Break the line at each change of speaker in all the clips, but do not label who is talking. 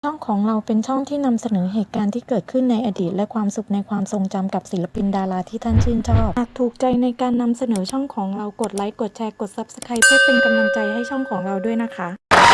ช่องของเราเป็นช่องที่นำเสนอเหตุการณ์ที่เกิดขึ้นในอดีตและความสุขในความทรงจำกับศิลปินดาราที่ท่านชื่นชอบหากถูกใจในการนำเสนอช่องของเรากดไลค์กดแชร์กด Subscribe เพื่อเป็นกำลังใจให้ช่องของเราด้วยนะคะ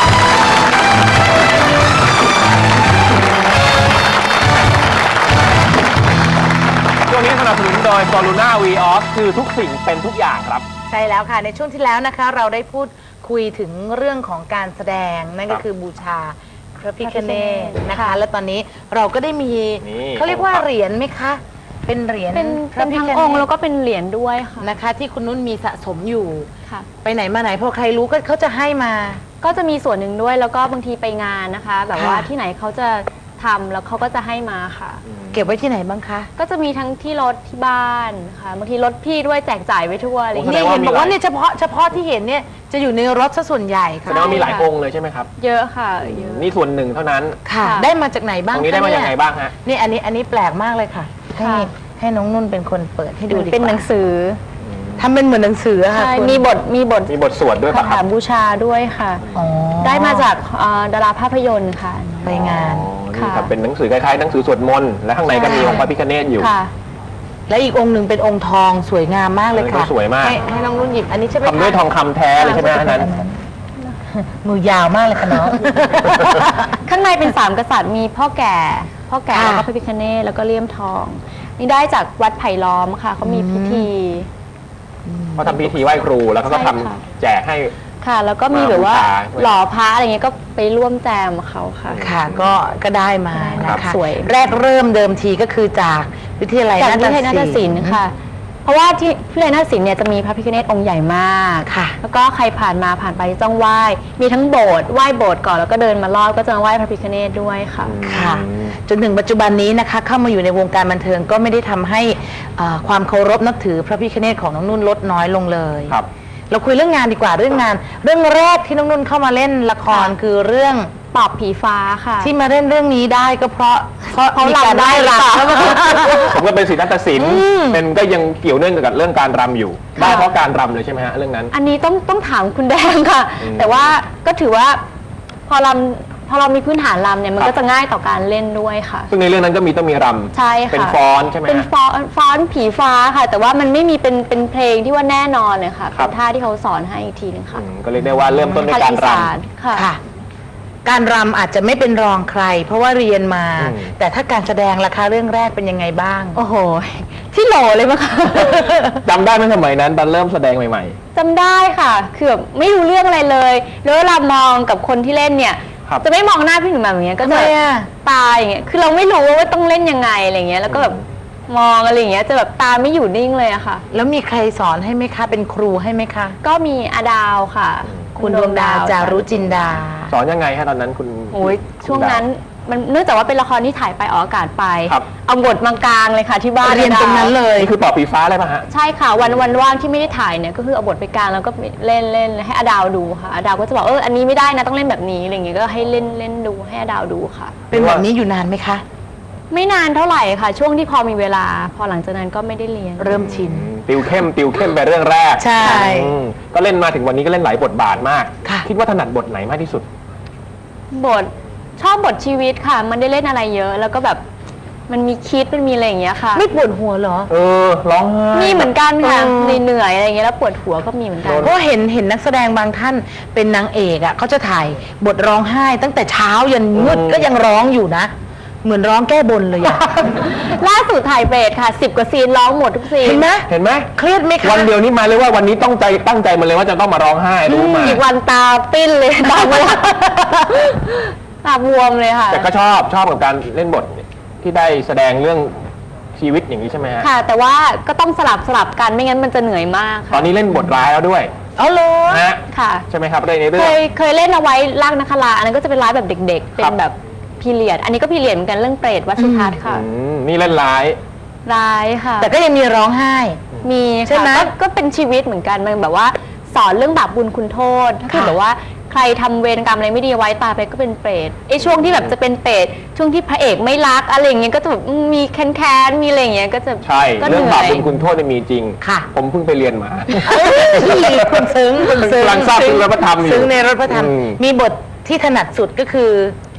ช่วงนี้สนับสนุนโดย Soluna Vios คือทุกสิ่งเป็นทุกอย่างครับ
ใช่แล้วค่ะในช่วงที่แล้วนะคะเราได้พูดคุยถึงเรื่องของการแสดงนั่นก็คือบูชาพระพิฆเนศนะคะและตอนนี้เราก็ได้มีเขาเรียกว่าเหรียญไหมคะเป็นเหรียญ
เป็นทั้งองค์แล้วก็เป็นเหรียญด้วยค่ะ
นะคะที่คุณนุ่นมีสะสมอยู่
ค่ะ
ไปไหนมาไหนพอใครรู้ก็เขาจะให้มา
ก็จะมีส่วนหนึ่งด้วยแล้วก็บางทีไปงานนะคะแบบว่าที่ไหนเขาจะทำแล้วเขาก็จะให้มาค่ะ
เก็บไว้ที่ไหนบ้างคะ
ก็จะมีทั้งที่รถที่บ้านค่ะบางทีรถพี่ด้วยแจกจ่ายไว้ทั่วอะไรอย่าง
เงี้
ย
เห็นบอกว่าเนี่ยเฉพาะที่เห็นเนี่ยจะอยู่ในรถซะส่วนใหญ่ค่ะ
แสดงว่ามีหลายองค์เลยใช่ไหมครับ
เยอะค่ะเยอะ
นี่ส่วนหนึ่งเท่านั้น
ค่ะได้มาจากไหนบ้าง
ตรงนี้ได้มาจากไหนบ้างฮะ
นี่อันนี้แปลกมากเลยค่ะให้น้องนุ่นเป็นคนเปิดให้ดูดีกว่า
เป็นหนังสือ
ทำเป็นเหมือนหนังสือค่ะ
มีบท
สวดด้วย
คาถาบูชาด้วยค่ะได้มาจากดาราภาพยนตร์ค่ะ
ไปงาน
นี่ครับเป็นหนังสือคล้ายๆหนังสือสวดมนต์และข้างในก็มีองค์พระพิฆเนศอยู่
และอีกองค์หนึ่งเป็นองค์ทองสวยงามมากเลยค่ะ
สวยมาก
ให้น้องนุ่นหยิบอันนี้ใช่ไหม
ทำด้วยทองคำแท้เลยใช่ไหมอันนั้น
มือยาวมากเลยค่ะน้อง
ข้างในเป็น3 กษัตริย์มีพ่อแก่แล้วก็พระพิฆเนศแล้วก็เลี่ยมทองนี่ได้จากวัดไผ่ล้อมค่ะเขามีพิธี
เขาทำพิธีไหว้ครูแล้วเขาก็ทำแจกให้
ค่ะแล้วก็มีแบบว่าหล่อพระอะไรเงี้ยก็ไปร่วมแจมเขาค่ะ
ค่ะก็ได้มานะคะ
สวย
แรกเริ่มเดิมทีก็คือจากวิทยาลัยนาฏศิลป์
ค่ะเพราะว่าที่วิทยาลัยนาฏศิลป์เนี่ยจะมีพระพิฆเนศองค์ใหญ่มาก
ค่ะ
แล้วก็ใครผ่านไปต้องไหว้มีทั้งโบสถ์ไหว้โบสถ์ก่อนแล้วก็เดินมารอบก็จะมาไหว้พระพิฆเนศด้วยค่ะ
ค่ะจนถึงปัจจุบันนี้นะคะเข้ามาอยู่ในวงการบันเทิงก็ไม่ได้ทำให้ความเคารพนับถือพระพิฆเนศของน้องนุ่นลดน้อยลงเลย
ครับ
เราคุยเรื่องงานดีกว่าเรื่องแรกที่น้องนุ่นเข้ามาเล่นละครคือเรื่อง
ปอบผีฟ้าค่ะ
ที่มาเล่นเรื่องนี้ได้ก็เพราะ
มีการได้รำ
ผมก็เป็นศิลปศิลป์เป็นก็ยังเกี่ยวเนื่องกับเรื่องการรำอยู่ได้เพราะการรำเลยใช่ไหมฮะเรื่องนั้น
อันนี้ต้องถามคุณแดงค่ะแต่ว่าก็ถือว่าพอเรามีพื้นฐานรำเนี่ยมันก็จะง่ายต่อการเล่นด้วยค่ะ
ซึ่งในเรื่องนั้นก็ต้องมีรำ
ใช่ค่ะ
เป็นฟ้อนใช่ไหม
เป็นฟ้อนผีฟ้าค่ะแต่ว่ามันไม่มีเป็นเพลงที่ว่าแน่นอนเลยค่ะเป็นท่าที่เขาสอนให้อีกทีนึงค่ะ
ก็เรียกได้ว่าเริ่มต้นด้วยการร
ำ
ค่ะการรำอาจจะไม่เป็นรองใครเพราะว่าเรียนมาแต่ถ้าการแสดงราคาเรื่องแรกเป็นยังไงบ้าง
โอ้โหที่โหลเลยมั้งคะ
จำได้ไหมสมัยนั้นตอนเริ่มแสดงใหม่
ๆจำได้ค่ะคือแบบไม่รู้เรื่องอะไรเลยแล้วเวลามองกับคนที่เล่นเนี่ยจะไม่มองหน้าพี่หนุ่มแบบอย่างเงี้ยก็จะตาอย่างเงี้ยคือเราไม่รู้ว่าต้องเล่นยังไงอะไรเงี้ยแล้วก็แบบมองอะไรอย่างเงี้ยจะแบบตาไม่อยู่นิ่งเลยอะค่ะ
แล้วมีใครสอนให้ไหมคะเป็นครูให้ไหมคะ
ก็มีอาดาวค่ะ
คุณดวงดาวจารุจินดา
สอนยังไงฮะตอนนั้นคุณ
โอ้ยช่วงนั้นมันเนื่องจากว่าเป็นละครที่ถ่ายไปออกอากาศไปเอาบทมังกลางเลยค่ะที่บ้าน
เรียนตรงนั้นเลย
นี่คือปอบผีฟ้าเลยป่ะฮะ
ใช่ค่ะวันว่างที่ไม่ได้ถ่ายเนี่ยก็คือเอาบทไปกลางแล้วก็เล่นให้อาดาวดูค่ะอาดาวก็จะบอกอันนี้ไม่ได้นะต้องเล่นแบบนี้อะไรอย่างเงี้ยก็ให้เล่นดูให้อาดาวดูค่ะ
เป็นแบบนี้อยู่นานไหมคะ
ไม่นานเท่าไหร่ค่ะช่วงที่พอมีเวลาพอหลังจากนั้นก็ไม่ได้เรียน
เริ่มชิน
ติวเข้มไปเรื่องแรก
ใช่
ก็เล่นมาถึงวันนี้ก็เล่นหลายบทบาทมากคิดว่าถนัดบทไหนมากที่สุด
ชอบบทชีวิตค่ะมันได้เล่นอะไรเยอะแล้วก็แบบมันมีคิดมันมีอะไรอย่างเงี้ยค่ะ
ไม่ปวดหัวเหรอ
ร้องไห้
มีเหมือนกันค่ะเหนื่อยอะไรอย่างเงี้ยแล้วปวดหัวก็มีเหมือนกัน
เพราะเห็นนักแสดงบางท่านเป็นนางเอกอ่ะเขาจะถ่ายบทร้องไห้ตั้งแต่เช้ายันมืดก็ยังร้องอยู่นะเหมือนร้องแก้บนเลยอะ
ล่าสุดถ่ายเบรดค่ะ10 กว่าซีนร้องหมดทุกซีน
เห็นไหม
เครียดไหมคะ
วันเดียวนี้มาเลยว่าวันนี้ตั้งใจมาเลยว่าจะต้องมาร้องไห้รู้มา
อีกวันตาปิ้นเลยตาบวมตาบวมเลยค่ะ
แต่ก็ชอบกับการเล่นบทที่ได้แสดงเรื่องชีวิตอย่างนี้ใช่ไหมฮะ
ค่ะแต่ว่าก็ต้องสลับกันไม่งั้นมันจะเหนื่อยมาก
ตอนนี้เล่นบทร้ายแล้วด้วย
เลย
ค่ะใช่ไหมครับในเรื่อง
เคยเล่นเอาไว้ลากนักคราอันนั้นก็จะเป็นร้ายแบบเด็กๆเป็นแบบพีเรียดอันนี้ก็พีเรียดเหมือนกันเรื่องเปรตวัดสุทัศน์ค่ะ
นี่เล่นร้าย
ค่ะ
แต่ก็ยังมีร้องไห้
มีใช่ไหมก็เป็นชีวิตเหมือนกันมันแบบว่าสอนเรื่องบาปบุญคุณโทษถ้าคือแบบว่าใครทำเวรกรรมอะไรไม่ดีไว้ตายไปก็เป็นเปรตช่วงที่แบบจะเป็นเปรตช่วงที่พระเอกไม่รักอะไรอย่างเงี้ยก็จะแบบมีแค้นมีอะไรอย่างเงี้ยก็จะ
ใช่เรื่องบาปบุญคุณโทษมีจริง
ค่ะ
ผมเพิ่งไปเรียนมา
คุณซึ้ง
กำลังทราบซึ้งรถพระธรรม
ซึ้งในรถพระธรรมมีบทที่ถนัดสุดก็คือ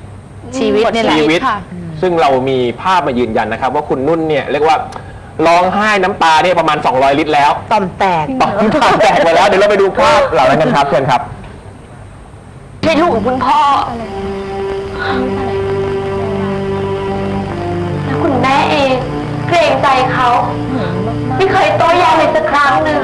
ชีวิตนี่แหละ
ชีวิต
ค่ะ
ซึ่งเรามีภาพมายืนยันนะครับ ว่าคุณนุ่นเนี่ยเรียกว่าร้องไห้น้ำตาเนี่ยประมาณ 200 ลิตรแล้ว
ต่อมแตก
ตอนน้ำตาแตกไปแล้วเดี๋ยวเราไปดูภาพเหล่านั้นกันครับเชิญครับ
ใช่ลูกของคุณพ่อแล้วคุณแม่เองเกรงใจเขาไม่เคยโต้แย้งเลยสักครั้งหนึ่ง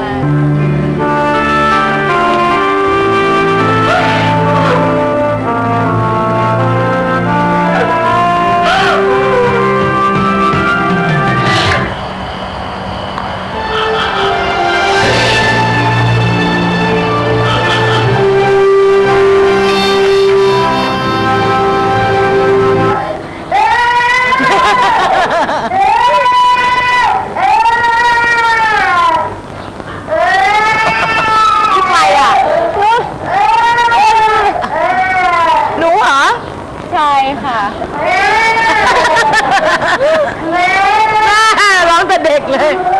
ใครอ่ะหนูเหรอ ใช่ค่ะ
ร้องแต่เด็กเลย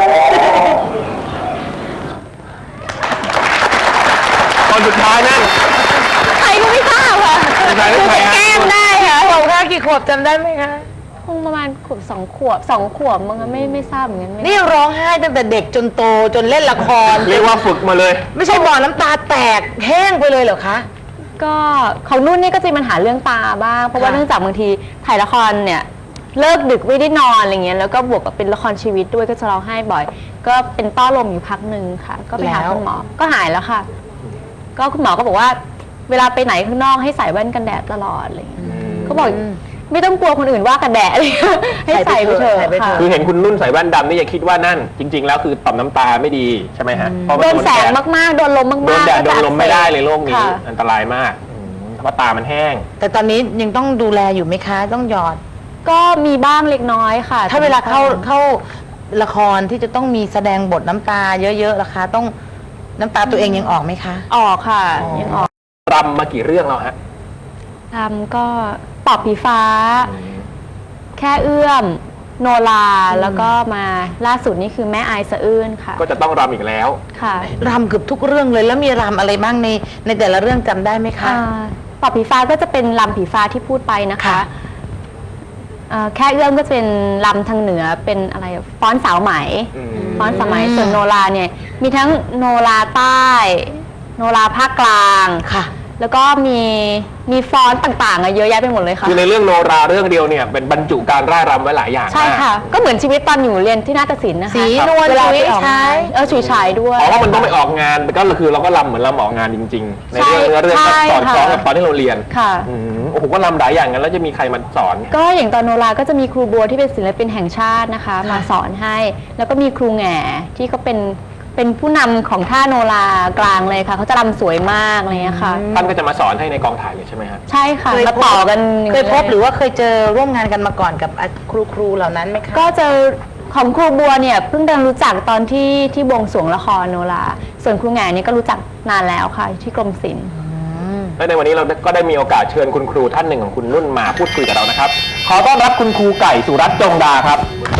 ตอนสุดท้ายนั่น
ใครก็ไม่ทราบค่ะ
สุดท้ายนั่นใครฮะ
แกล้งได้ค่ะ
ขวบค่ะกี่ขวบจำได้ไหมคะ
คงประมาณขวบ2 ขวบมั้งคะไม่ทราบเหมือนกัน
นี่ร้องไห้ตั้งแต่เด็กจนโตจนเล่นละคร
เรียกว่าฝึกมาเลย
ไม่ใช่บ่อน้ำตาแตกแห้งไปเลยเหรอคะ
ก็ของนุ่นนี่ก็จะมีปัญหาเรื่องตาบ้าง เพราะว่า
ค่ะ
เนื่องจากบางทีถ่ายละครเนี่ยเลิกดึกไม่ได้นอนอะไรเงี้ยแล้วก็บวกกับเป็นละครชีวิตด้วยก็จะร้องไห้บ่อย ก็เป็นต้อลมอยู่พักหนึ่งค่ะ ก็ไปหาคุณหมอก็หายแล้วค่ะ ก็คุณหมอก็บอกว่า เวลาไปไหนข้างนอกให้ใส่แว่นกันแดดตลอดอะไรเงี้ยก็บอกไม่ต้องกลัวคนอื่นว่ากันแดดเลยให้ใส่ไปเถอะค่ะ
คือเห็นคุณนุ่นใส่แว่นดำนี่อย่าคิดว่านั่น จริง ๆ แล้วคือต่อมน้ำตาไม่ดีใช่ไหมฮะเพราะ
โด
มัน
แสงมากๆโดนลมมากๆ
โดนแดดโด
ก็
น
จะ
ลมไม่ได้เลยโรคนี้
ค่ะ
อันตรายมากเพราะตามันแห้ง
แต่ตอนนี้ยังต้องดูแลอยู่ไหมคะ ต้องหยอด
ก็มีบ้างเล็กน้อยค่ะ
ถ้าเวลาเข้าละครที่จะต้องมีแสดงบทน้ำตาเยอะๆล่ะคะ ต้องน้ำตาตัวเองยังออกไหมคะ
ออกค่ะ ยังออก
รำมากี่เรื่องแล้วฮะ
ทำก็ปอบผีฟ้า แค่เอื้อม โนราแล้วก็มาล่าสุดนี่คือแม่อายสะอื้นค่ะ
ก็จะต้องรำอีกแล้ว
ค่ะ
รำเกือบทุกเรื่องเลยแล้วมีรำอะไรบ้างในแต่ละเรื่องจำได้ไหมคะ
ปอบผีฟ้าก็จะเป็นลำผีฟ้าที่พูดไปนะคะ
ค่ะ
แค่เอื้อมก็จะเป็นลำทางเหนือเป็นอะไรฟ้อนสาวไหม
อืม
ฟ้อนสาวไหมส่วนโนราเนี่ยมีทั้งโนราใต้ โนราภาคกลาง
ค่ะ
แล้วก็มีฟ้อนต่างๆอะเยอะแยะไปหมดเลยค่ะ
คือในเรื่องโนราเรื่องเดียวเนี่ยเป็นบรรจุการร่ายรำไว้หลายอย่าง
ใช่
มาก
ค่ะ ก็เหมือนชีวิตตอนอยู่เรียนที่นาฏศิลป์นะคะ
สีนวล
เวลาไป
ฉุย
ออก
ฉาย
ฉุยฉายด้วย
อ๋อว่ามันต้องไปออกงานก็คือเราก็รำเหมือนรำออกงานจริง ๆ ในเรื่อง
ใช่
เนื้อเรื่องก็
ใช่
สอนคล้อง
ค่ะ
กับตอนที่เราเรียน
ค่ะ
โอ้โหก็รำหลายอย่างกันแล้วจะมีใครมาสอน
ก็อย่างตอนโนราก็จะมีครูบัวที่เป็นศิลปินแห่งชาตินะคะ มาสอนให้ แล้วก็มีครูแหง่ที่ก็เป็นผู้นำของท่าโนรากลางเลยค่ะเขาจะรำสวยมากอะไรเงี้ยค่ะ
ท่านก็จะมาสอนให้ในกองถ่ายเลยใช่ไหมฮะ
ใช่ค่ะ
เคย
มาต่อกัน
เคยพบหรือว่าเคยเจอร่วมงานกันมาก่อนกับครูเหล่านั้นไหมคะ
ก็เจอของครูบัวเนี่ยเพิ่งได้รู้จักตอนที่บวงสรวงละครโนราส่วนครูแหง่นี่ก็รู้จักนานแล้วค่ะที่กรมศิลป์
และในวันนี้เราก็ได้มีโอกาสเชิญคุณครูท่านหนึ่งของคุณนุ่นมาพูดคุยกับเรานะครับ ขอต้อนรับคุณครูไก่สุรัตน์จงดาครับ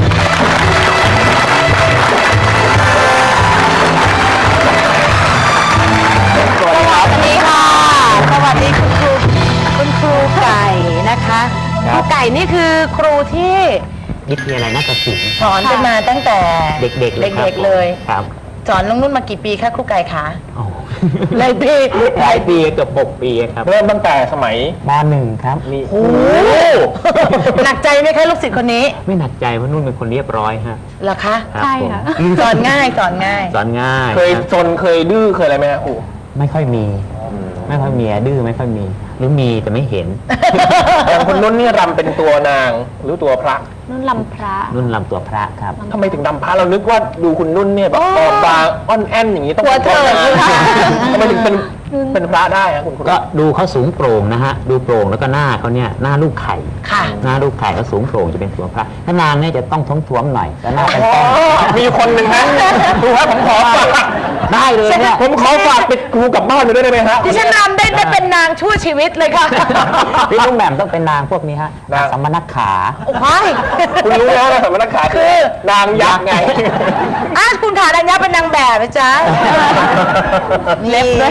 สวัสดีครับ
สวัสดีค่ะ สวัสดีคุณครูไก่นะคะ
ค
ค
รั
รู
บ
ไก่นี่คือครูที่
วิทยาลัยนาฏศิลป์
สอนกันมาตั้งแต่
เด็กๆเลยครับ
เด็กๆเลย
ครับ
สอนน้องนุ่นมากี่ปีคะครูไก่คะ
โอ้
หลายปี
หลายปีเกือบ6 ปีครับ
เริ่มตั้งแต่สมัย
ม .1 ครับนี่
โอ้โหหนักใจไหมคะลูกศิษย์คนนี้
ไม่หนักใจเพราะนุ่นเป็นคนเรียบร้อยฮะ
เหรอคะ
รับ
ใช่
ผม
ค่ะ
สอนง่ายสอนง่าย
สอนง่าย
เคย
ครับ
ซนเคยดื้อเคยอะไรไหมฮะครู
ไม่ค่อยมี ไม่ค่อยมีดื้อไม่ค่อยมี หรือมีแต่ไม่เห็น
อย่างคุณนุ่นนี่รำเป็นตัวนางหรือตัวพระ
นุ่นลำพระ
นุ่นลำตัวพระครับ
ทำไมถึงดำพระเรานึกว่าดูคุณนุ่นเนี่ยแบบออกบางอ้อนแอนอย่างนี้ต้อง
หัวเถิด
ทำไมถึงเป็นพระได้ฮะคุณครู
ก็ดูเขาสูงโปร่งนะฮะ ดูโปร่งแล้วก็หน้าเขาเนี่ยหน้าลูกไข่
ค่ะ
หน้าลูกไข่เขาสูงโปร่งจะเป็นตัวพระ ถ้านางเนี่ยจะต้องท้วมๆหน่อยแล้วหน้าเป็น
อ๋อ
ต้น
มีคนหนึ่งนะครูครับผมขอฝาก
ได้เลยเนี่ย
ผมขอฝากไปครูกลับบ้านไปด้วยได้ไหมฮะ
ที่ฉันนำได้เป็นนางชั่วชีวิตเลยค่ะ
พี่ลุงแหม่มต้องเป็นนางพวกนี้ฮะ
นาง
สัมมนักขา
โอ้ย
คุณรู้แล้วนะสมณขาคือนางยักษ์ไง
คุณขาดัญญาเป็นนางแบบนะจ๊ะ
เล็บด้วย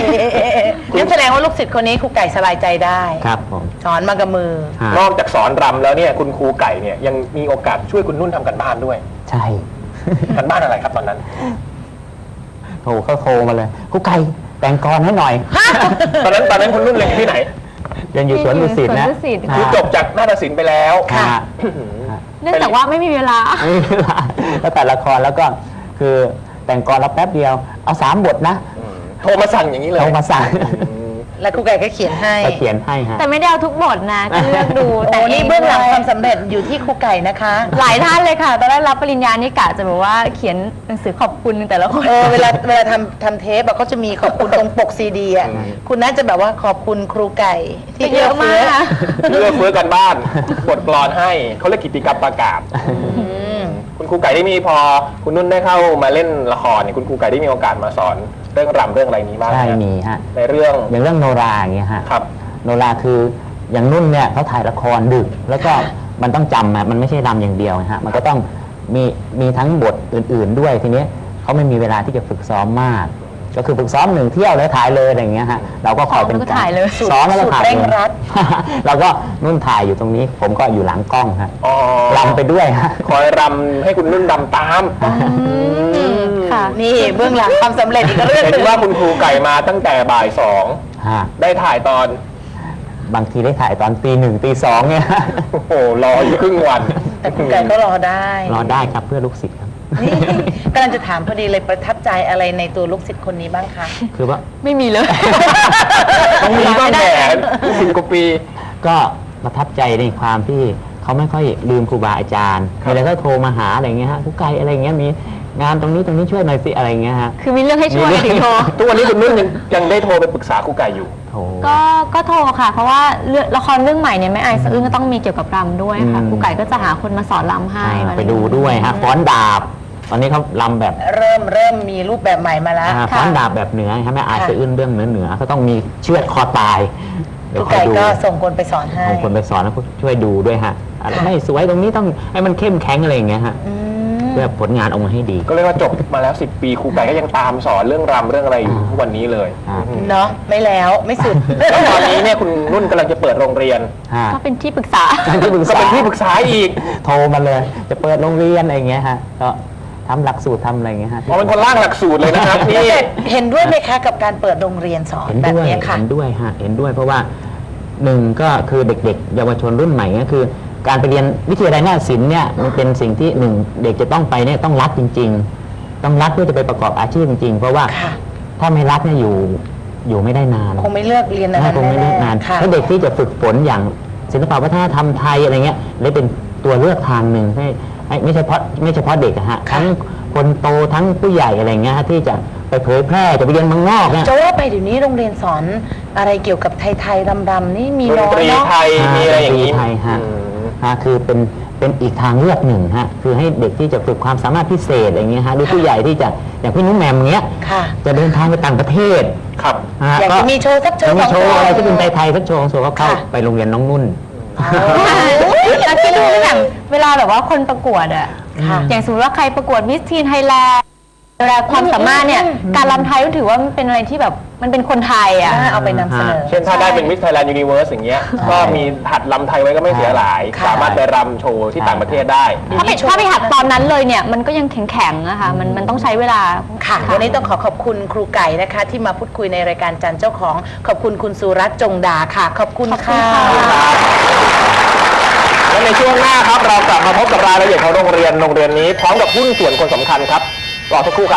งั้นแสดงว่าลูกศิษย์คนนี้ครูไก่สบายใจได้
ครับผม
สอนมากับมือ
ฮะ
นอกจากสอนรำแล้วเนี่ยคุณครูไก่เนี่ยยังมีโอกาสช่วยคุณนุ่นทำกันบ้านด้วย
ใช่
กันบ้านอะไรครับตอนนั้น
เขาโทรมาเลยครูไก่แต่งกรให้หน่อย
ตอนนั้นคุณนุ่นเรียนอยู่ที่ไหน
เรียนอยู่สวนดุสิตนะ
สวนดุสิต
คือจบจากนาฏศิลป์ไปแล้ว
ค่ะ
เนื่องจากว่าไม่มีเวลา
ไม่มีเวลาแล้วแต่ละครแล้วก็คือแต่งกรแล้วแป๊บเดียวเอา3 บทนะ
โทรมาสั่งอย่างนี้เลย
เอามาสั่ง
แล้วครูไก่ก็เขียนให้
ก็เขียนให้ฮะ
แต่ไม่ได้เอาทุกบทนะก็เลือกดู
โอ้
แต่
นี่เบื้องหลังความสำเร็จอยู่ที่ครูไก่นะคะ
หลายท่านเลยค่ะ ตอนแรกรับปริญญานี่กะจะแบบว่าเขียนหนังสือขอบคุณแต่ละคน
เวลาทำเทปอะเขาจะมีขอบคุณตรงปกซีดีอะคุณน่าจะแบบว่าขอบคุณครูไก่ที่
เยอะมาก
เลือกเฟื้อกันบ้านบทกลอนให้เขาเรียกกิตติกรรมประกาศคุณครูไก่ได้มีพอคุณนุ่นได้เข้ามาเล่นละครเนี่ยคุณครูไก่ได้มีโอกาสมาสอนเรื่องรำเรื่องอะไรนี้บ้างไห
ใช่
ฮะ
มีฮะ
ในเรื่อง
อย่างเรื่องโนราอย่างเงี้ยฮะ
ครับ
โนราคืออย่างนุ่นเนี่ยเขาถ่ายละครดึก แล้วก็มันต้องจำอะมันไม่ใช่รำอย่างเดียวนะฮะมันก็ต้องมีทั้งบทอื่นๆด้วยทีนี้เขาไม่มีเวลาที่จะฝึกซ้อมมาก ก็คือฝึกซ้อม1 เที่ยวแล้วถ่ายเลยอะไรอย่างเงี้ยฮะเราก็คอยเป็น
ซ้อมแล้วก็ถ่ายเลย
ซ้อมแล้วก็ถ่าย
สุดเร่งรัด
เราก็นุ่นถ่ายอยู่ตรงนี้ ผมก็อยู่หลังกล้องฮะ
อ๋อ
รำไปด้วยฮะ
คอยรำให้คุณนุ่นรำตาม
ค่ะ
นี่เบื้องหลังความสำเร็จอีกเรื่องห
เห็
นึ
น
ง
ว่าคุณครูไก่มาตั้งแต่บ่าย
ฮะ
2ได้ถ่ายตอน
บางทีได้ถ่ายตอนตี 1ตี 2เนี่ย
โอ้โหรออยู่ครึ่งวัน
แต่ครูไก่ก็รอได้
รอได้ครับเพื่อลูกศิษย์ครับ
นี่กำลังจะถามพอดีเลยประทับใจอะไรในตัวลูกศิษย์คนนี้บ้างคะ
คือว่า
ไม่มีเลย
ต้องมีบ้างแหม10 กว่าปี
ก็ประทับใจในความที่เขาไม่ค่อยลืมครูบาอาจารย์
ครับ
มีอะไรก็โทรมาหาอะไรเงี้ยฮะครูไก่อะไรเงี้ยมีงานตรงนี้ช่วยหน่อยสิอะไรเงี้ยฮะ
คือมีเรื่องให้ช่วยถึงโทร
ทุกวันนี้คุณนุ่นยังได้โทรไปปรึกษาครูไก่อยู่
โทร
ก็โทรค่ะ เพราะว่าละครเรื่องใหม่เนี่ยแม่ไอสะอื้นก็ต้องมีเกี่ยวกับรำด้วยค่ะ
อืม
ครูไก่ก็จะหาคนมาสอนรำให้
ไปดูด้วยฮะฟ้อนดาบ ตอนนี้เขาลำแบบ
เริ่มมีรูปแบบใหม่มาแล้ว
ฟ้อนดาบแบบเหนือฮะแม่อายสะอื้นเรื่องเหนือเขาต้องมีเชือดคอตาย
ครูไก่ก็ส่งคนไปสอนให้
เอาคนไปสอนแล้วก็ช่วยดูด้วยฮะอะไรไม่สวยตรงนี้ต้องให้มันเข้มแข็งอะไรอย่างเงี้ยฮะเพื่อผลงานออกมาให้ดี
ก็เรียกว่าจบมาแล้ว 10 ปีครูไก่ก็ยังตามสอนเรื่องรำเรื่องอะไรอยู่ทุกวันนี้เลย
อ่า
เนาะไม่แล้วไม่สุด
แล้วตอนนี้เนี่ยคุณนุ่นกำลังจะเปิดโรงเรียน
ฮะ
ก็เป็นที่ปรึกษา
ที่ปรึก
ก็
ษา
เป็นที่ปรึกษาอีก
โทรมาเลย จะเปิดโรงเรียนอะไรอย่างเงี้ยฮะก็ทำหลักสูตรทำอะไรอย่างเงี้ยฮะ
เพราะเป็นคนร่างหลักสูตรเลยนะครับนี่
เห็นด้วยไหมคะกับการเปิดโรงเรียนสอน
เห็น
แบบ
ด้วย
นี้ค่ะ
เห็นด้วยฮะเห็นด้วยเพราะว่าหนึ่งก็คือเด็กๆ เยาวชนรุ่นใหม่ก็คือ การไปเรียนวิทยาลัยนาฏศิลป์เนี่ยมันเป็นสิ่งที่หนึ่งเด็กจะต้องไปเนี่ยต้องรักจริง ๆ ต้องรักเพื่อจะไปประกอบอาชีพจริงๆ เพราะว่า
ค่ะ
ถ้าไม่รักเนี่ยอยู่ไม่ได้นาน
คงไม่เลือกเรียนอะไร
คงไม่เลือกนาน
ค่ะ
ถ้าเด็กที่จะฝึกฝนอย่างศิลปวัฒนธรรมไทยอะไรเงี้ยเลยเป็นตัวเลือกทางหนึ่งให้ไม่เฉพาะเด็กอะฮะทั้งคนโตทั้งผู้ใหญ่อะไรเงี้ยฮะที่จะไปเผยแพร่จะไปเรียนเมืองนอกเนี่ย
จะว่าไปเดี๋ยวนี้โรงเรียนสอนอะไรเกี่ยวกับไทยๆรำๆนี่มี
ดน
น้อ
ต
ย
รี
เนาะ
ไทยมีอะไรอย่างนี้
ดนตรีไทยฮะ
อืม
ฮะคือเป็นอีกทางเลือกหนึ่งฮะคือให้เด็กที่จะฝึกความสามารถพิเศษอะไรเงี้ยฮะหรือผู้ใหญ่ที่จะอย่างพี่นุ้มแหมมเงี้ย
ค่ะ
จะเดินทางไปต่างประเทศ
ครับ
ฮะ
อยากจะมีโชว์สักโชว์
มี
สอง
โช
โช
ว์
ว์
อะไรที่เป็นไทยๆสักโชว์ก็เข้า
ค่ะ
ไปโรงเรียนน้องนุ่น
แล้วที่รู้อย่างเวลาแบบว่าคนประกวดอะ
ค่ะ
อย่างสมมติว่าใครประกวดมิสทีนไทยแลนด์เวลาความสามารถเนี่ยการรำไทยก็ถือว่ามันเป็นอะไรที่แบบมันเป็นคนไทยอะ
น่าเอาไปนำเสนอ
เช่นถ้าได้เป็นมิสไทยแลนด์ยูนิเวิร์สอย่างเงี้ยก็มีหัดลำไทยไว้ก็ไม่เสียหลาย
ค่ะ
สามารถไปรำโชว์ที่ต่างประเทศได้
ถ้าไปหัดตอนนั้นเลยเนี่ยมันก็ยังแข็งๆนะคะมันต้องใช้เวลา
ค่ะวันนี้ต้องขอบคุณครูไก่นะคะ ที่มาพูดคุยในรายการจันเจ้าของขอบคุณคุณสุรัตน์จงดาค่ะ ขอบคุณค่ะ
และในช่วงหน้าครับเรากลับมาพบกับรายละเอียดของโรงเรียนนี้พร้อมกับหุ้นส่วนคนสำคัญครับรอสักครู่ครับ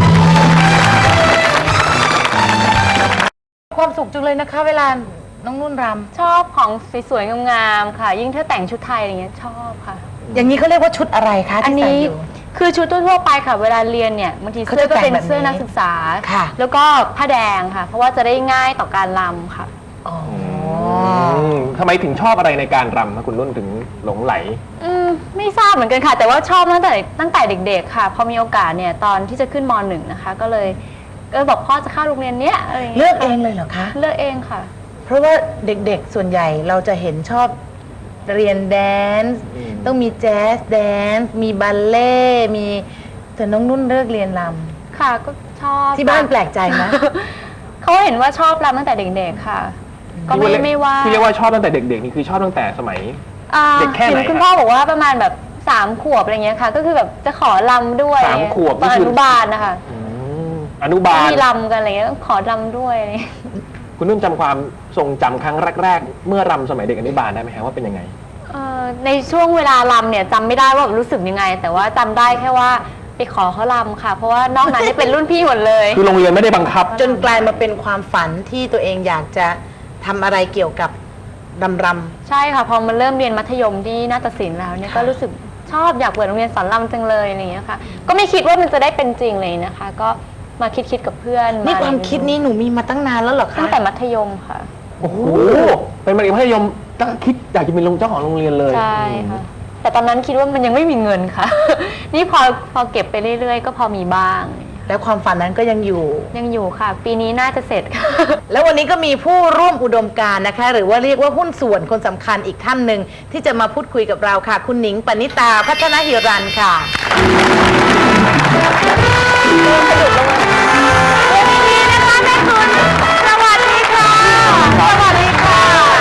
ความสุขจังเลยนะคะ เวลาน้องนุ่นร
ชอบของสวยๆงามๆค่ะ ยิ่งถ้าแต่งชุดไทยอะไรเงี้ยชอบค่ะ
ำอย่างนี้เขาเรียกว่าชุดอะไรคะ
อัน
ที่ใส่
นี้
อยู่
คือชุดทั่วๆไปค่ะ เวลาเรียนเนี่ยบางที
เขา
เสื้อ
จะ
ก็เป็น
แต่งแบบนี้
เสื้อนักศึกษา
ค่ะ
แล้วก็ผ้าแดงค่ะ เพราะว่าจะได้ง่ายต่อการรำค่ะ
อ๋อ
ทำไมถึงชอบอะไรในการรำนะคุณนุ่นถึงหลงไหล
ไม่ทราบเหมือนกันค่ะ แต่ว่าชอบตั้งแต่เด็กๆค่ะ พอมีโอกาสเนี่ยตอนที่จะขึ้นม .1 นะคะก็เลยบอกพ่อจะเข้าโรงเรียนเนี้ยอะไรอย่าง
เลื
เงี้
อย กเองเลยเหรอคะ
เลือกเองค่ะ
เพราะว่าเด็กๆส่วนใหญ่เราจะเห็นชอบเรียนแดนซ์ต้องมีแจ๊สแดนซ์มีบัลเล่ต์มีแต่น้องนุ่นเลือกเรียนร
ค่ะก็ชอบ
ำที่บ้านแปลกใจไหม
เขาเห็นว่าชอบรำตั้งแต่เด็กๆค่ะ ก็ไม่ว่า
ที่เรียกว่าชอบตั้งแต่เด็กๆนี่คือชอบตั้งแต่สมัย เด็กแค่ไหน
เห็นคุณพ่อบอกว่าประมาณแบบ3 ขวบอะไรเงี้ยค่ะ ก็คือแบบจะขอรำด้วย
3 ขวบ
ตอนอนุบาลนะคะ
อนุบาล
มีรำกันอะไรเงี้ยขอรำด้วยอะไรเงี้ย
คุณนุ่นจำความทรงจำครั้งแรกๆ เมื่อรำสมัยเด็กอนุบาลได้ไหมครับว่าเป็นยังไง
ในช่วงเวลารำเนี่ยจำไม่ได้ว่ารู้สึกยังไง แต่ว่าจำได้แค่ว่าไปขอเขารำค่ะ เพราะว่านอกนั้นนี่เป็นรุ่นพี่หมดเลย
คือโรงเรียนไม่ได้บังคับ
จนกลายมาเป็นความฝันที่ตัวเองอยากจะทำอะไรเกี่ยวกับรำ
ใช่ค่ะพอมันเริ่มเรียนมัธยมที่นาฏศิลป์แล้วเนี่ยก็รู้สึกชอบอยากเปิดโรงเรียนสอนรำจังเลยอะไรอย่างเงี้ยค่ะก็ไม่คิดว่ามันจะได้เป็นจริงเลยนะคะ ก็มาคิดกับเพื่อน
นี่ความคิดนี้หนูมีมาตั้งนานแล้วเหรอคะ
ตั้งแต่มัธยมค่ะ
โอ้โห เป็นมัธยมตั้งคิดอยากจะเป็นเจ้าของโรงเรียนเลย
ใช่ค่ะแต่ตอนนั้นคิดว่ามันยังไม่มีเงินค่ะ นี่พอเก็บไปเรื่อยๆ ก็พอมีบ้าง
แล้วความฝันนั้นก็ยังอยู่
ยังอยู่ค่ะ ปีนี้น่าจะเสร็จค่ะ
แล้ววันนี้ก็มีผู้ร่วมอุดมการณ์นะคะ หรือว่าเรียกว่าหุ้นส่วนคนสำคัญอีกท่านหนึ่งที่จะมาพูดคุยกับเราค่ะ คุณหนิงปณิตาพัฒนหิรันท์ค่ะสวัสดีค่ะสวัสดีค่ะ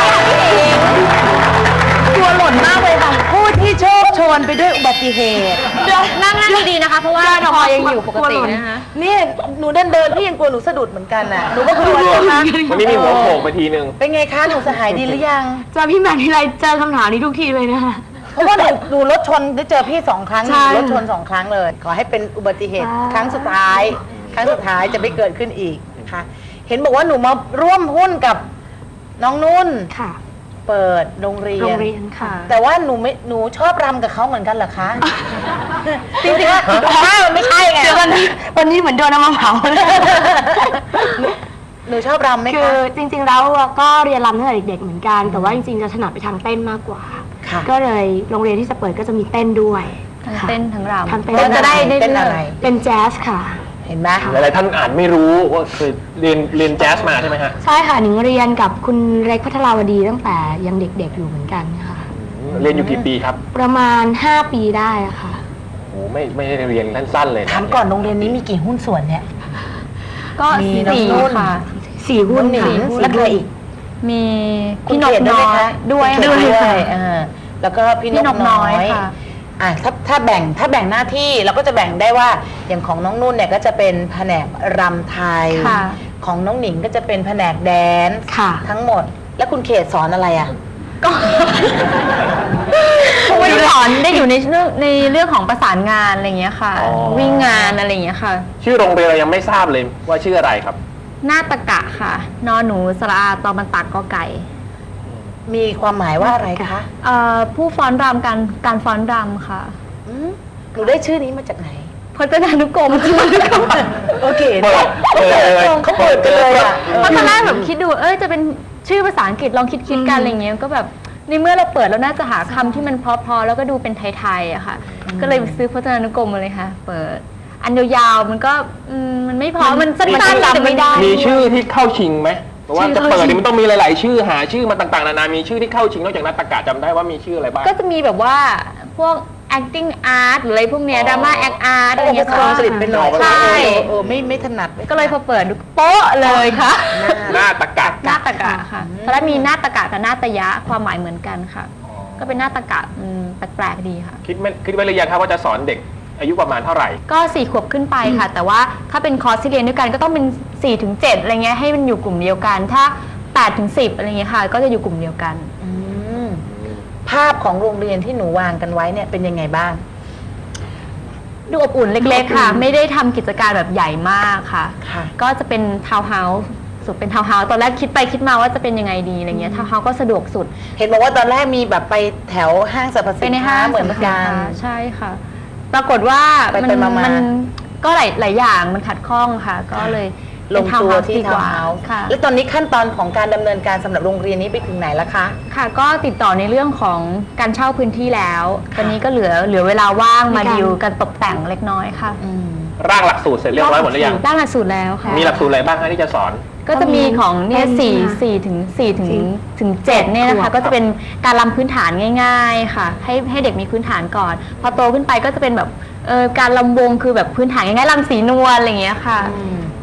ตัวหล่นมากเลยค่ะผู้ที่โชคโชนไปด้วยอุบัติเหตุ
นั่งดีๆนะคะ เพราะว่าพอยังอยู่ปกตินะคะ
เนี่ยหนูเดินพี่ยังกลัวหนูสะดุดเหมือนกันน่ะหนูก็กลัวนะคะ
วันนี้มีหัวโขกไปทีนึง
เป็นไงคะหนูสหายดีหรือยัง
เจอพี่แหม่มทีไรเจอคำถามนี้ทุกทีเลยนะคะ
เพราะว่าหนูรถชนได้เจอพี่2 ครั้ง
ใช่
รถชน2 ครั้งเลย ขอให้เป็นอุบัติเหตุครั้งสุดท้าย ครั้งสุดท้ายจะไม่เกิดขึ้นอีกนะคะเห็นบอกว่าหนูมาร่วมหุ้นกับน้องนุ่น
ค่ะ
เปิดโรงเรีย
โร
น
งเรียนค่ะ
แต่ว่าหนูชอบรำกับเขาเหมือนกันเหรอคะ จริงๆว่ามันไม่ใช่ไง
เดี๋ยววันนี้เหมือนโดนน้ำมันเผาเลย
หนูชอบรำไหม
คื
คะ
อจริงๆแล้วก็เรียนรำตั้งแต่เด็กๆเหมือนกัน แต่ว่าจริงๆจะถนัดไปทางเต้นมากกว่า
ค่ะ
ก็เลยโรงเรียนที่จะเปิดก็จะมีเต้นด้วย
ทั้ง
ค่ะ
เต้นทั้งรำ
ทั้งเต้น
เต้น
จะได้
เต้นอะไร
เป็นแจ๊สค่ะ
เห็นไหม
หลายๆท่านอาจไม่รู้ว่าเคยเรียนแจ๊สมาใช่ไหมฮะ
ใช่ค่ะหนิงเรียนกับคุณเล็กพัทราวดีตั้งแต่ยังเด็กๆอยู่เหมือนกันค่ะ
เรียนอยู่กี่ปีครับ
ประมาณ 5 ปีได้อะค่ะ
โอ้ไม่ได้เรียนสั้นๆเลยนะ
ถามก่อนโรงเรียนนี้มีกี่หุ้นส่วนเนี่ย
ก็
มีน้อง
สี่
นุ่น
ค่ะ
4 หุ้น
น้องหนิ
ค่ะ
งแล้วใครอีก
มีพี่
คุณ
นก
เขต
น้อย
ไหมคะ
ด้วย
คุณเขต
ค่ะ
ด้วยแล้วก็พี่
พี่
น
น
ก
กน้
น้
อ
อย ย
ค่ะ
ถ้าแบ่งหน้าที่เราก็จะแบ่งได้ว่าอย่างของน้องนุ่นเนี่ยก็จะเป็นแผนกรำไทย
ค่ะ
ของน้องหนิงก็จะเป็นแผนกแดนซ์
ค่ะ
ทั้งหมด แล้วคุณเขตสอนอะไรอ่ะ
ไม่ได้สอนได้อยู่ในเรื่องของประสานงานอะไรอย่างเงี้ยค่ะ วิ่งงานอะไรอย่างเงี้ยค่ะ
ชื่อโรงเรียนเรายังไม่ทราบเลยว่าชื่ออะไรครับ
นาฏกะค่ะ นอหนูสระอาตอมันตักกอไก่
มีความหมายว่าอะไรคะ
ผู้ฟ้อนรำการฟ้อนรำค่ะ
อืมหนูได้ชื่อนี้มาจากไหน
พจนานุกรม
โอเค
เปิดเลย
เขาเปิดกันเลยอ่ะ
เพราะตอนแรกแบบคิดดูจะเป็นชื่อภาษาอังกฤษลองคิดกันอะไรเงี้ยก็แบบในเมื่อเราเปิดแล้วน่าจะหาคำที่มันเพอๆแล้วก็ดูเป็นไทยๆอะค่ะ ก็เลยไปซื้อพจนานุกรมมาเลยค่ะ เปิด อันยาวๆมันก็มันไม่พอมันสั้นๆแต่ไม่ได้
มีชื่อที่เข้าชิงไหมเพราะว่าจะเปิดนี่มันต้องมีหลายๆชื่อหาชื่อมาต่างๆนานามีชื่อที่เข้าชิงนอกจากนัตตกะจำได้ว่ามีชื่ออะไรบ้าง
ก็จะมีแบบว่าพวก acting art หรืออะไรพวกเนี้ย drama act art อะไร
โอ้
เงี้ย
ภาษาอังกฤษเป็นหน่อย
ใช่
ไม่ถนัด
ก็เลยพอเปิดดูโป๊ะเลยค่ะ
หน้าตะกะ
นาฏกะค่ะตอนแรกมีนาฏกะกับนาตยะความหมายเหมือนกันค่ะ ก็เป็นนาฏกะแปลกๆดีค่ะ
คิดไว้หรือยังครับว่าจะสอนเด็กอายุประมาณเท่าไหร่
ก็4 ขวบขึ้นไปค่ะ แต่ว่าถ้าเป็นคอร์สที่เรียนด้วยกันก็ต้องเป็น4 ถึง 7อะไรเงี้ยให้มันอยู่กลุ่มเดียวกัน ถ้า8 ถึง 10อะไรเงี้ยค่ะ ก็จะอยู่กลุ่มเดียวกัน
อืมภาพของโรงเรียนที่หนูวางกันไว้เนี่ยเป็นยังไงบ้าง
ดูอบอุ่นเล็กๆค่ะ ไม่ได้ทำกิจการแบบใหญ่มากค่ะ
ค่ะ
ก็จะเป็นทาวน์เฮาส์สุดเป็นทาวน์เฮาส์ตอนแรกคิดไปคิดมาว่าจะเป็นยังไงดีอะไรเงี้ยทาวน์เฮาส์ก็สะดวกสุด
เห็นบอกว่าตอนแรกมีแบบไปแถวห้างสรรพ
ไป
สิน
ใน
ค้า
ห้าง
เหมือนกัน
ใช่ค่ะ ปรากฏว่า
ไปๆมาๆ
นก็หลายอย่างมันขัดข้องค่ะ ก็เลย
ลงตัวที่
ดีก
ทาว
ว่า
น์เฮาส์
ค่ะ
แล้วตอนนี้ขั้นตอนของการดำเนินการสำหรับโรงเรียนนี้ไปถึงไหนแล้วคะ
ค่ะก็ติดต่อในเรื่องของการเช่าพื้นที่แล้ว ตอนนี้ก็เหลือเวลาว่างมาดิวกันตกแต่งเล็กน้อยค่ะ
ร่างหลักสูตรเสร็จเรียบร้อยหมดหรือยัง
ด้านหลักสูตรแล้วค่ะ
มีหลักสูตรอะไรบ้างคะที่จะสอน
ก็จะมีของเนี่ย
ก็มี
4 ถึง 7เนี่ยนะคะ ก็จะเป็นการรำพื้นฐานง่าย ๆ ค่ะ ให้เด็กมีพื้นฐานก่อน พอโตขึ้นไปก็จะเป็นแบบการรำวงคือแบบพื้นฐานง่ายๆรำสีนวลอะไรอย่างเงี้ยค่ะ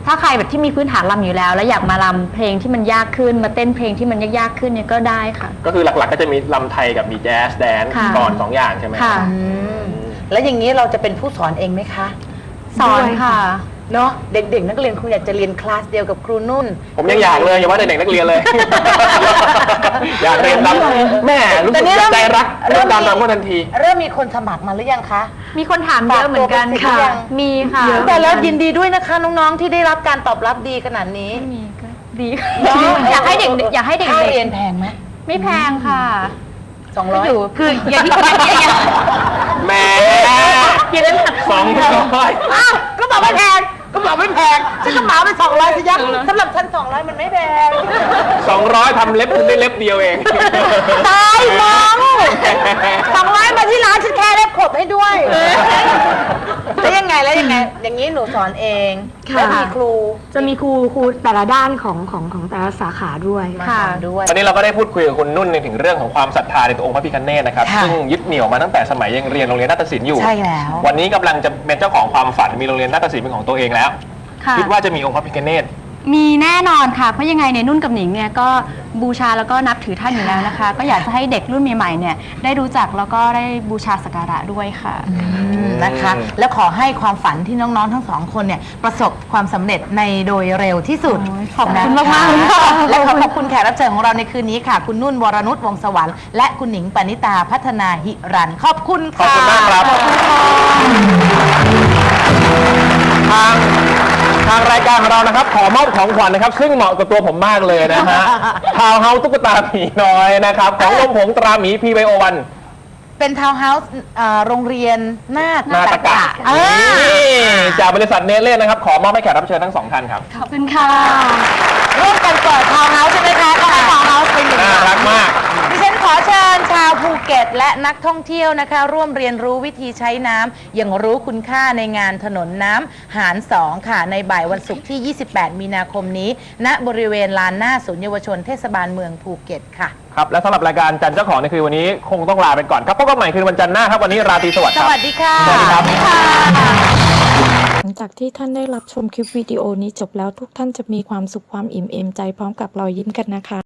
ถ้าใครแบบที่มีพื้นฐานรำอยู่แล้ว แล้วอยากมารำเพลงที่มันยากขึ้นมาเต้นเพลงที่มันยากๆขึ้นเนี่ยก็ได้ค่ะ
ก็คือหลักๆก็จะมีลำไทยกับมีแจ๊สแดนซ์
ค่ะ
ก่อน2 อย่างใช่ไหม
ค่ะ
แล้วอย่างนี้เราจะเป็นผู้สอนเองไหมคะ
สอนค่ะ
เนาะเด็กๆ นักเรียนครูอยากจะเรียนคลาสเดียวกับครูนุ่น
ผมยังอยากเลยอย่าว่าแต่เด็กนักเรียนเลย อยากเรียนรำแม่รู้สึกใจรักเรื่องการรำก็ทันที
เริ่มมีคนสมัครมาหรือยังคะ
มีคนถามเยอะเหมือนกัน
ฝากตัวเป็นศิษย์หรือยั
ค่ะ
ง
มีค่ะ
แต่แล้วยินดีด้วยนะคะน้องๆที่ได้รับการตอบรับดีขนาดนี้
มีก็ดีอยากให้เด็กอยากให้เด็ก
ค่าเรียนแพงไหม
ไม่แพงค่ะ
200
อยู่คืออย่างที่อย่าง
แหม่
อย่างนั้น
200
อ้าวก็บอกไม่แพงก็บอกไม่แพงฉันก็เหมาไป200สิยักสำหรับฉัน200มันไม่แพง
200ทำเล็บคุณได้เล็บเดียวเอง
ตายมัง200มาที่ร้านฉันแค่เล็บขบให้ด้วยแล้วยังไงอย่างนี้หนูสอนเอง
ค่ะ
แล้วมีครู
จะมีครูแต่ละด้านของแต่ละสาขาด้วย
มาสอนด้วย
วันนี้เราก็ได้พูดคุยกับคุณนุ่นในถึงเรื่องของความศรัทธาในตัวองค์พระพิฆเนศนะครับ
ค่ะ
ซึ่งยึดเหนี่ยวมาตั้งแต่สมัยยังเรียนโรงเรียนนาฏศิลป์อยู่
ใช่แล้ว
วันนี้กำลังจะเป็นเจ้าของความฝันมีโรงเรียนนาฏศิลป์เป็นของตัวเองแล้ว
ค่ะ
คิดว่าจะมีองค์พระพิฆเนศ
มีแน่นอนค่ะ เพราะยังไงเนี่ยนุ่นกับหนิงเนี่ยก็บูชาแล้วก็นับถือท่านอยู่แล้วนะคะ ก็อยากจะให้เด็กรุ่นใหม่ๆเนี่ยได้รู้จักแล้วก็ได้บูชาสักการะด้วยค่ะ
นะคะ แล้วขอให้ความฝันที่น้องๆทั้งสองคนเนี่ยประสบความสำเร็จในโดยเร็วที่สุด
โอ้ยขอบคุณ
นะะ
มากๆค่ะ
และขอบคุณแขกรับเชิญของเราในคืนนี้ค่ะ คุณนุ่นวรนุชวงศ์สวรรค์และคุณหนิงปณิตาพัฒนาหิรันขอบคุณ
ขอบ
ค่ะ
คุณมากครับ
ขอบคุณค่ะ
ทางรายการของเรานะครับขอมอบของขวัญนะครับ ซึ่งเหมาะกับตัวผมมากเลยนะฮะ ทาวน์เฮาส์ตุ๊กตาผีน้อยนะครับ ของลมผงตราหมี PBO1
เป็นทาวน์เฮาส์โรงเรียนนาฏ
นาตกะ
อ่า
นี่จากบริษัทเนเล่นะครับ ขอมอบให้แขกรับเชิญทั้ง 2 ท่านครับ
ขอบคุณค่ะ
ร่วมกันเปิดทาวน์เฮาส์ใช่ไหมคะก็ให้ทาวน์เฮาส์เป็นอย่าง
น่ารักมาก
ดิฉันขอเชิญชาวภูเก็ตและนักท่องเที่ยวนะคะ ร่วมเรียนรู้วิธีใช้น้ำอย่างรู้คุณค่าในงานถนนน้ำหาร 2 ค่ะ ในบ่ายวันศุกร์ที่ 28 มีนาคมนี้ ณบริเวณลานหน้าศูนย์เยาวชนเทศบาลเมืองภูเก็ตค่ะ
ครับ และสำหรับรายการจันทร์เจ้าของในคืนวันนี้คงต้องลาไปก่อนครับพบกันใหม่คืนวันจันทร์หน้าครับ วันนี้ราตรีสวัสดิ์
ส
ครับ
วัสดีค่ะ
สวัสดีครับ
หลังจากที่ท่านได้รับชมคลิปวิดีโอนี้จบแล้วทุกท่านจะมีความสุขความอิ่มเอมใจพร้อมกับรอยยิ้มกันนะคะ